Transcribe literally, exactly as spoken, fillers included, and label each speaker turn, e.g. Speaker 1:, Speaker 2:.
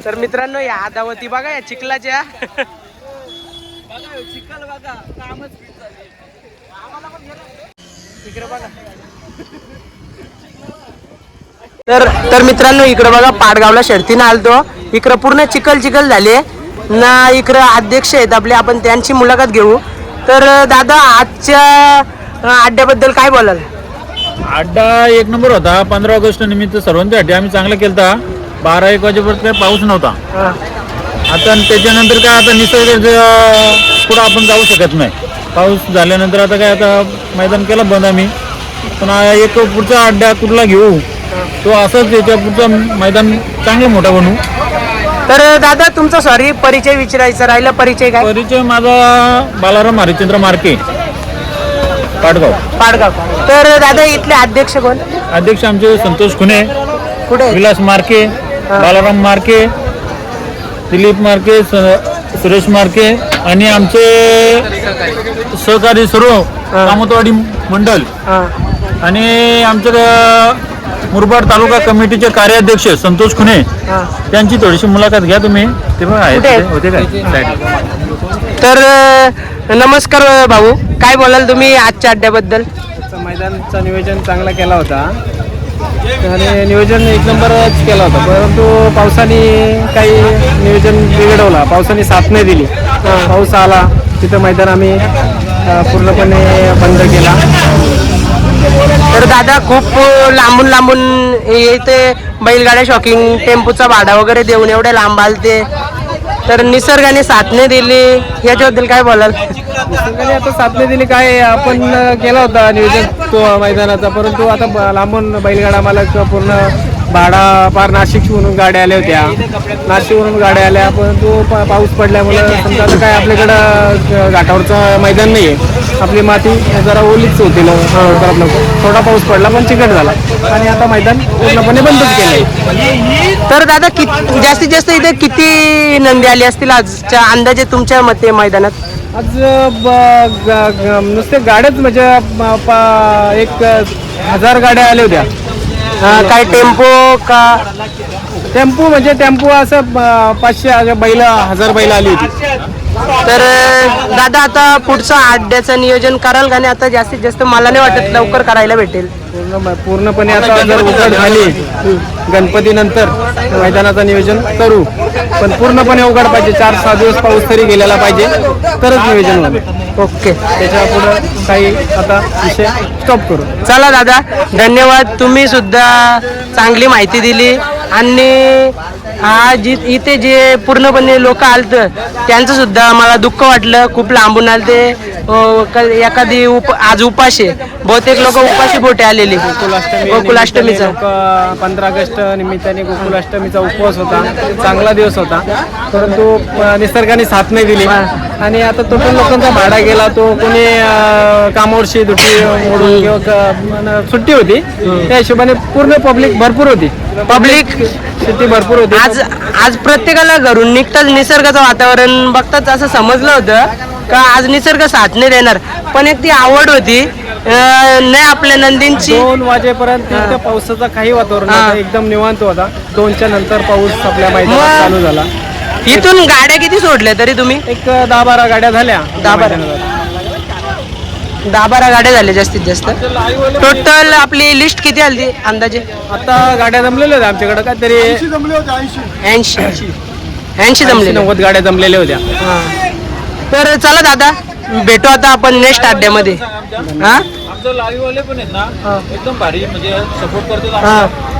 Speaker 1: तर मित्रांनो या आदावती बघा या चिखलाच्या
Speaker 2: चिखल बघा कामच
Speaker 1: इकडे बघा. तर तर मित्रांनो इकडे बघा पाडगावला शर्तीनं आलतो. इकडं पूर्ण चिखल चिखल झाले ना. इकडं अध्यक्ष आहेत आपले, आपण त्यांची मुलाखत घेऊ. तर दादा आजच्या अड्ड्याबद्दल काय बोलाल?
Speaker 3: अड्डा एक नंबर होता. पंधरा ऑगस्ट निमित्त सर्वांसाठी आम्ही चांगला केलता. बारा एक वाजेपर्यंत काही पाऊस नव्हता. आता त्याच्यानंतर काय आता निसर्ग पुढं आपण जाऊ शकत नाही. पाऊस झाल्यानंतर आता काय आता मैदान केला बंद आम्ही. पण एक पुढचा अड्डा कुठला घेऊ तो असंच याच्या पुढचं मैदान चांगलं मोठा बनवू.
Speaker 1: तर दादा तुमचा सॉरी परिचय विचारायचा राहिला. परिचय काय?
Speaker 3: परिचय माझा बालाराम हरिश्चंद्र मार्के, पाडगाव.
Speaker 1: पाडगाव. तर दादा इथले अध्यक्ष कोण?
Speaker 3: अध्यक्ष आमचे संतोष खुने,
Speaker 1: कुठे?
Speaker 3: विलास मार्के, बालाराम मार्के, दिलीप मार्के, सुरेश मार्के आणि आमचे सहकारी सर्व कामतवाडी मंडल आणि आमच्या मुरबाड तालुका कमिटीचे कार्याध्यक्ष संतोष खुने त्यांची थोडीशी मुलाखत घ्या तुम्ही. ते बघा होते काय.
Speaker 1: तर नमस्कार भाऊ, काय बोलाल तुम्ही आजच्या अड्ड्याबद्दल?
Speaker 2: मैदानचं नियोजन चांगला केला होता आणि नियोजन एक नंबरच केला होता, परंतु पावसाने काही नियोजन बिघडवला. पावसाने साथ नाही दिली. पाऊस आला तिथं मैदान आम्ही पूर्णपणे बंद केला.
Speaker 1: तर दादा खूप लांबून लांबून येते बैलगाड्या शॉकिंग टेम्पोचा भाडा वगैरे देऊन एवढे लांब आलते. तर निसर्गाने साथ नाही दिली याच्याबद्दल काय बोलाल?
Speaker 2: निसर्गाने आता साथ नाही दिली. काय आपण केला होता नियोजन तो मैदानाचा, परंतु आता लांबून बैलगाडा मालक पूर्ण भाडा पार नाशिकवरून गाड्या आल्या होत्या. नाशिकवरून गाड्या आल्या, परंतु पाऊस पडल्यामुळं समजा आता काय आपल्याकडं घाटावरचं मैदान नाही आहे. आपली माती जरा ओलीच होती लवकरात लवकर. थोडा पाऊस पडला पण चिकट झाला आणि आता मैदान पूर्णपणे बंदच केलं.
Speaker 1: तर दादा कि जास्तीत जास्त इथे किती नंदी आली असतील आजच्या अंदाजे तुमच्या मते मैदानात?
Speaker 2: आज नुसते गाड्याच म्हणजे एक हजार गाड्या आल्या होत्या.
Speaker 1: काय टेम्पो का?
Speaker 2: टेम्पो म्हणजे टेम्पो असं पाचशे बैल हजार बैल आली होती.
Speaker 1: तर दादा आता पुढचं अड्ड्याचं नियोजन कराल का? नाही आता जास्तीत जास्त मला नाही वाटत लवकर करायला भेटेल.
Speaker 2: पूर्ण पूर्णपणे आता जर उघड झाली गणपती नंतर मैदानाचं नियोजन करू, पण पूर्णपणे उघड पाहिजे. चार सहा दिवस पाऊस तरी गेलेला पाहिजे तरच नियोजन होईल.
Speaker 1: ओके,
Speaker 2: त्याच्या पुढं काही आता विषय स्टॉप करू.
Speaker 1: चला दादा धन्यवाद. तुम्ही सुद्धा चांगली माहिती दिली आणि हा जी इथे जे पूर्णपणे लोक आलतं त्यांचं सुद्धा मला दुःख वाटलं. खूप लांबून आलते. एखादी उप आज उपाशी बहुतेक लोक उपाशी बोटे आलेली. गोकुलाष्टमीचा
Speaker 2: पंधरा ऑगस्ट निमित्ताने गोकुलाष्टमीचा उपवास होता. चांगला दिवस होता, परंतु निसर्गाने साथ नाही दिली आणि आता तो पण लोकांचा भाडा गेला. तो कोणी कामावरची दुटी मोडून किंवा सुट्टी होती त्या हिशोबाने पूर्ण पब्लिक भरपूर होती.
Speaker 1: पब्लिक
Speaker 2: सुट्टी भरपूर होती.
Speaker 1: आज आज प्रत्येकाला घरून निघताच निसर्गाचं वातावरण बघताच असं समजलं होतं का आज निसर्ग साथ नाही देणार. पण एक ती आवड होती नाही आपल्या नंदींची.
Speaker 2: दोन वाजेपर्यंत इथं पावसाचा काही वातावरण नव्हतं, एकदम निवांत होता. दोनच्या नंतर पाऊस आपल्या मैदानात चालू झाला.
Speaker 1: इथून गाड्या किती सोडल्या तरी तुम्ही?
Speaker 2: एक दहा बारा गाड्या झाल्या.
Speaker 1: दहा बारा दहा बारा गाड्या झाल्या जास्तीत जास्त. टोटल आपली लिस्ट किती आली अंदाजे?
Speaker 2: आता गाड्या जमलेल्या होत्या आमच्याकडे काहीतरी
Speaker 1: ऐंशी ऐंशी जमले
Speaker 2: नव्वद गाड्या जमलेल्या होत्या.
Speaker 1: तर चला दादा भेटू आता आपण नेक्स्ट अड्ड्यामध्ये. हा
Speaker 3: आमचं लाईव्ह वाले पण आहेत ना एकदम भारी म्हणजे सपोर्ट करतात.